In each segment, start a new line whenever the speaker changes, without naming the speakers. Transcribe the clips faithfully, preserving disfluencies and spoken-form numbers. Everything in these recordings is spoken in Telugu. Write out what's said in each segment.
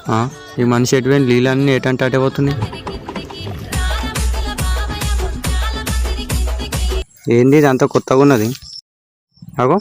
ఈ మనిషి ఎటువైన నీళ్ళన్నీ ఏటంటే అటే పోతున్నాయి. ఏంది ఇది అంత కొత్తగా ఉన్నది? అగో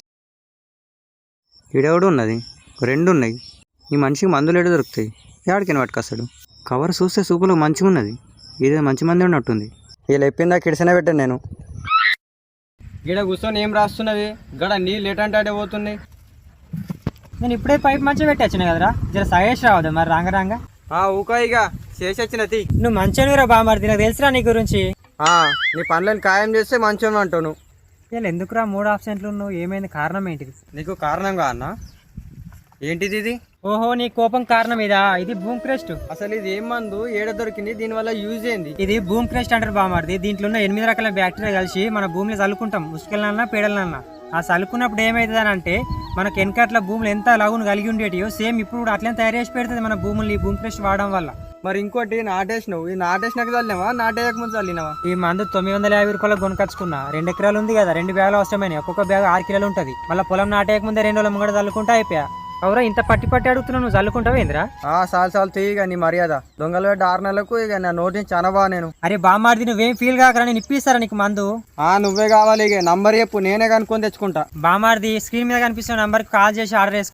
ఈడెవడు ఉన్నది, రెండు ఉన్నాయి. ఈ మనిషికి మందులు ఎడు దొరుకుతాయి? ఏడికైనా పట్టుకొస్తాడు. కవర్ చూస్తే సూపులో మంచిగా ఉన్నది, ఇదే మంచి మంది ఉన్నట్టుంది. వీళ్ళు ఎప్పిందా కిడిసనే పెట్టాను నేను.
గిడ కూర్చొని ఏం రాస్తున్నది? గడ నీళ్ళు ఎటంటే అటే పోతున్నాయి.
నేను ఇప్పుడే పైప్ మంచిగా పెట్టొచ్చిన కదరా, జర సజెస్ట్ రావద్దా మరి రాంగ రాంగ.
ఊక ఇక చేసి వచ్చిన తీ.
నువ్వు మంచిగా బామారిది, నాకు తెలుసురా నీ గురించి.
నీ పనులను ఖాయం చేస్తే మంచిగా అంటావు నువ్వు.
ఇలా ఎందుకురా మూడు ఆప్షన్లు నువ్వు, ఏమైంది, కారణం ఏంటిది?
నీకు కారణంగా అన్న ఏంటిది ఇది?
ఓహో నీ కోపం కారణం ఇదా? ఇది బూమ్ క్రెస్ట్.
అసలు ఇది ఏం మందు, ఏడ దొరికింది, దీనివల్ల యూజ్ ఏంది?
ఇది బూమ్ క్రెస్ట్ అంటారు బామారిది. దీంట్లో ఉన్న ఎనిమిది రకాల బ్యాక్టీరియా కలిసి మన భూమిలో చల్లుకుంటాం, ఉసుకలన్నా పేడలన్నా. ఆ చల్లుకున్నప్పుడు ఏమవుతుంది అని అంటే మనకు వెనకట్ల భూములు ఎంత లాగును కలిగి ఉండేటియో సేమ్ ఇప్పుడు కూడా అట్లనే తయారు చేసి పెడుతుంది మన భూములు ఈ బూమ్ క్రెస్ట్ వాడడం వల్ల.
మరి ఇంకోటి నాటేసినావు, ఈ నాటేసినాక చల్లినావా నాటేయక ముందు చల్లినావా?
ఈ మందు తొమ్మిది వందల యాభై రూపాయలకు కొనుకొచ్చుకున్నా. రెండు ఎకరాలు ఉంది కదా, రెండు బ్యాగులు అవసరమైనవి. ఒక్కొక్క బ్యాగ్ ఆరు కిలోలు ఉంటుంది. మళ్ళీ పొలం నాటేయక ముందే రెండు రోజుల ముంగడ చల్లుకుంటా అయిపోయా. అవురా ఇంత పట్టి పట్టి అడుగుతున్నావు, నువ్వు చల్లుకుంటావు ఏందిరా?
సాల్ సాల్ తీయగా నీ మర్యాద. దొంగలు పెట్టి ఆరు నెలలకు ఇక నా నోటిని చాలా నేను.
అరే బామ్మారిది నువ్వేం ఫీల్ కాకరా, నేను ఇప్పిస్తారా నీకు మందు?
ఆ నువ్వే కావాలి, ఇక నంబర్ చెప్పు, నేనే కనుక్కొని తెచ్చుకుంటా.
బామ్మారిది స్క్రీన్ మీద కనిపిస్తున్న నంబర్కి కాల్ చేసి ఆర్డర్ చేసుకో.